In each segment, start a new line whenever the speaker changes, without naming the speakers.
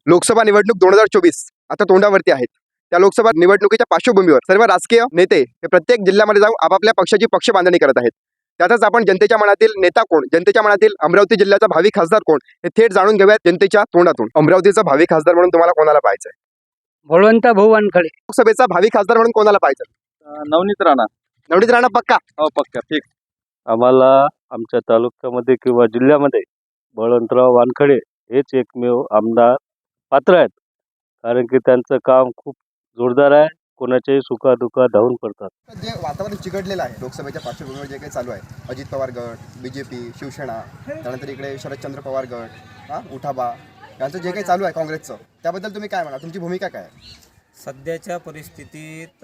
लोकसभा निवडणूक 2024 आता तोंडावरती आहेत. त्या लोकसभा निवडणुकीच्या पार्श्वभूमीवर सर्व राजकीय नेते हे प्रत्येक जिल्ह्यामध्ये जाऊन आपापल्या पक्षाची पक्ष बांधणी करत आहेत. त्यातच आपण जनतेच्या मनातील नेता कोण, जनतेच्या मनातील अमरावती जिल्ह्याचा भावी खासदार कोण हे थेट जाणून घेऊयात जनतेच्या तोंडातून. अमरावतीचा भावी खासदार म्हणून तुम्हाला कोणाला पाहायचं आहे?
बळवंत भाऊ वानखडे.
लोकसभेचा भावी खासदार म्हणून कोणाला पाहायचं?
नवनीत राणा.
नवनीत राणा पक्का?
हो पक्का ठीक. आम्हाला आमच्या तालुक्यामध्ये किंवा जिल्ह्यामध्ये बळवंतराव वानखडे हेच एकमेव आमदार पात्र आहेत. कारण की त्यांचं काम खूप जोरदार आहे. कोणाच्याही सुखादुखात धावून पडतात.
जे वातावरण चिघडलेलं आहे लोकसभेच्या पार्श्वभूमीवर जे काही चालू आहे, अजित पवार गट, बीजेपी, शिवसेना, त्यानंतर इकडे शरदचंद्र पवार गट, उठाबा, यांचं जे काही चालू आहे काँग्रेसचं, त्याबद्दल तुम्ही काय म्हणा? तुमची भूमिका काय आहे?
सध्याच्या परिस्थितीत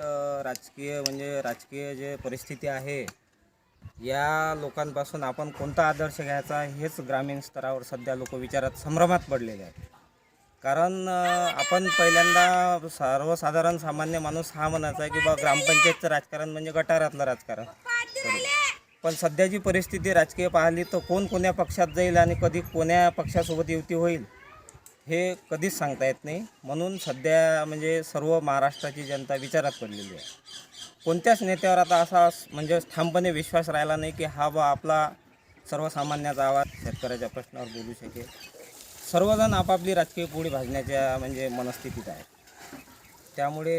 राजकीय जे परिस्थिती आहे, या लोकांपासून आपण कोणता आदर्श घ्यायचा हेच ग्रामीण स्तरावर सध्या लोक विचारात संभ्रमात पडलेले आहेत. कारण आपण पहिल्यांदा सर्वसाधारण सामान्य माणूस हा म्हणायचा आहे की बा ग्रामपंचायतचं राजकारण म्हणजे गटारातलं राजकारण. पण सध्याची परिस्थिती राजकीय पाहिली तर कोण कोण्या पक्षात जाईल आणि कधी कोण्या पक्षासोबत युती होईल हे कधीच सांगता येत नाही. म्हणून सध्या सर्व महाराष्ट्राची जनता विचारात पडलेली आहे. कोणत्याच नेत्यावर आता असा ठामपणे विश्वास राहिला नाही की हा बा आपला सर्वसामान्याचा आवाज शेतकऱ्याच्या प्रश्नावर बोलू शकेल. सर्वजण आपापली राजकीय पोळी भाजण्याच्या मनस्थितीत आहे. त्यामुळे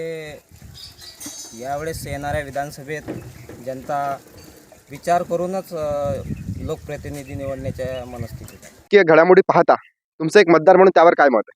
यावेळेस येणाऱ्या विधानसभेत जनता विचार करूनच लोकप्रतिनिधी निवडण्याच्या मनस्थितीत आहे.
की घडामोडी पाहता तुमचं एक मतदार म्हणून त्यावर काय मत आहे?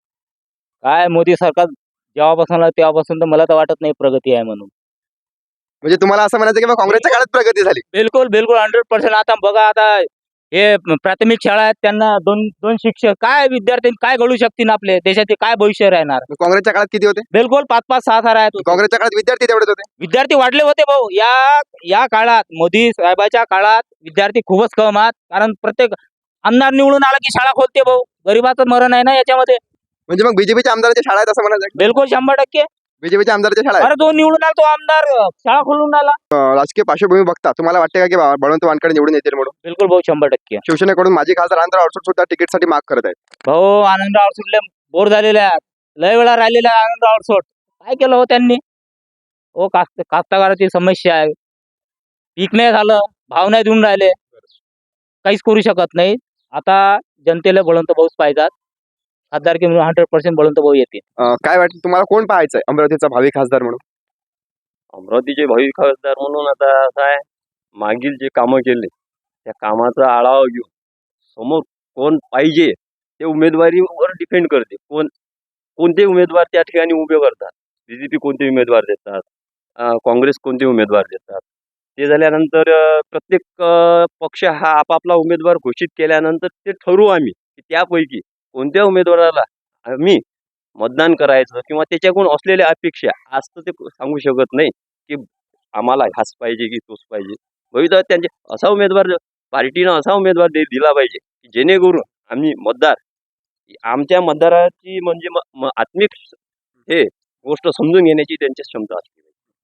काय मोदी सरकार जेव्हापासून आलं तेव्हापासून तर मला तर वाटत नाही प्रगती आहे म्हणून.
म्हणजे तुम्हाला असं म्हणायचं की बा काँग्रेसच्या काळात प्रगती झाली?
बिलकुल 100%. आता बघा, आता हे प्राथमिक शाळा आहेत, त्यांना दोन शिक्षक, काय विद्यार्थी काय घडू शकतील? आपले देशाचे काय भविष्य राहणार?
काँग्रेसच्या काळात किती होते?
बिलकुल 5-5, 6-6 आहेत.
काँग्रेसच्या काळात विद्यार्थी तेवढेच होते?
विद्यार्थी वाढले होते भाऊ. या काळात मोदी साहेबाच्या काळात विद्यार्थी खूपच कम आहेत. कारण प्रत्येक आमदार निवडून आला की शाळा खोलते भाऊ. गरीबाचं मरण आहे ना याच्यामध्ये.
म्हणजे मग बीजेपीच्या आमदाराच्या शाळा आहेत असं म्हणायचं?
बिलकुल 100%.
बीजेपीच्या आमदाराच्या शाळा आहेत.
अरे, 2 निवडून आला तो आमदार, शाळा खोलून आला.
राजकीय पार्श्वभूमी बघता तुम्हाला वाटते का की बळवंत वानखडे निवडून येतील म्हणून?
बिलकुल भाऊ 100%.
शिवसेनेकडून माजी खासदार आनंदराव अडसूळ सुद्धा तिकीटसाठी माग करत आहेत.
भाऊ आनंदराव अडसूळ बोर झालेले आहेत. लय वेळा राहिलेला आहे आनंदराव अडसूळ. काय केलं हो त्यांनी? हो, कास्तकाराची समस्या आहे. पीक नाही झालं, भाव नाही देऊन राहिले, काहीच करू शकत नाही. आता जनतेला बळवंत भाऊच पाहिजेत. खासदार की 100% बळवंत भाऊ येते.
काय वाटतं तुम्हाला कोण पाहायचंय अमरावतीचा भावी खासदार म्हणून?
अमरावतीचे भावी खासदार म्हणून आता काय, मागील जे कामं केले त्या कामाचा आढावा घेऊन समोर कोण पाहिजे ते उमेदवारीवर डिपेंड करते. कोणते उमेदवार त्या ठिकाणी उभे करतात. बीजेपी कोणते उमेदवार देतात, काँग्रेस कोणते उमेदवार देतात, ते झाल्यानंतर प्रत्येक पक्ष हा आपापला उमेदवार घोषित केल्यानंतर ते ठरवू आम्ही की त्यापैकी कोणत्या उमेदवाराला आम्ही मतदान करायचं किंवा त्याच्याकडून असलेल्या अपेक्षा आज तर ते सांगू शकत नाही की आम्हाला ह्याच पाहिजे की तोच पाहिजे. भविष्यात त्यांचे असा उमेदवार पार्टीनं असा उमेदवार दिला पाहिजे की जेणेकरून आम्ही मतदार आमच्या मतदाराची आत्मिक हे गोष्ट समजून घेण्याची त्यांची क्षमता असते.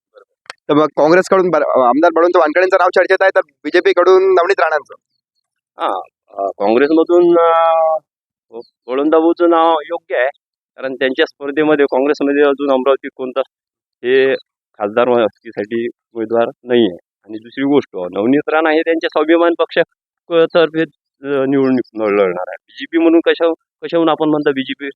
तर मग काँग्रेसकडून आमदार बळवंत वानखडेंचं नाव चर्चेत आहे, तर बीजेपी कडून नवनीत राणांचं.
काँग्रेसमधून बळवंत भाऊचं नाव योग्य आहे. कारण त्यांच्या स्पर्धेमध्ये काँग्रेसमध्ये अजून अमरावती कोणता हे खासदार साठी उमेदवार नाही आहे. आणि दुसरी गोष्ट, नवनीत राणा हे त्यांच्या स्वाभिमान पक्षातर्फे निवडणूक लढणार आहे. बीजेपी म्हणून कशाहून आपण म्हणतो बीजेपी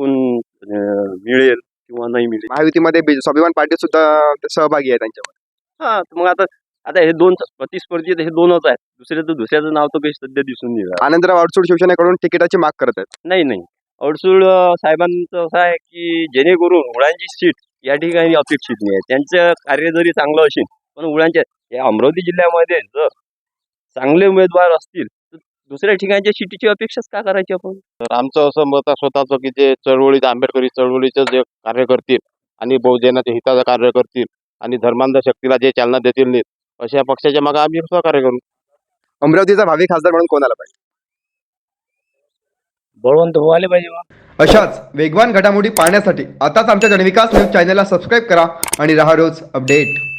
मिळेल किंवा नाही मिळेल.
महायुतीमध्ये स्वाभिमान पार्टी सुद्धा सहभागी आहे त्यांच्यामध्ये.
मग आता हे दोन प्रतिस्पर्धी हे दोनच आहेत. दुसऱ्याचं नाव तर काही सध्या दिसून नाही राहिलं.
आनंदराव अडसूळ शिवसेनेकडून तिकिटाची माग करत आहेत.
नाही, अडसूळ साहेबांचं असं आहे की जेणेकरून उडांची सीट या ठिकाणी अपेक्षित नाही आहे. त्यांचं कार्य जरी चांगलं असेल पण उडांच्या या अमरावती जिल्ह्यामध्ये जर चांगले उमेदवार असतील तर दुसऱ्या ठिकाणच्या सीटीची अपेक्षाच का करायची आपण?
तर आमचं असं मत आहे स्वतःचं की जे आंबेडकरी चळवळीचं जे कार्य करतील आणि बहुजनाच्या हिताचं कार्य करतील आणि धर्मांध शक्तीला जे चालना देतील नाही अशा पक्षाच्या मागे आम्ही सहकार्य करू.
अमरावतीचा भावी खासदार म्हणून कोणाला पाहिजे?
बळवंत भाऊ आले पाहिजे.
अशाच वेगवान घडामोडी पाहण्यासाठी आताच आमच्या जनविकास न्यूज चॅनलला सबस्क्राईब करा आणि रहा रोज अपडेट.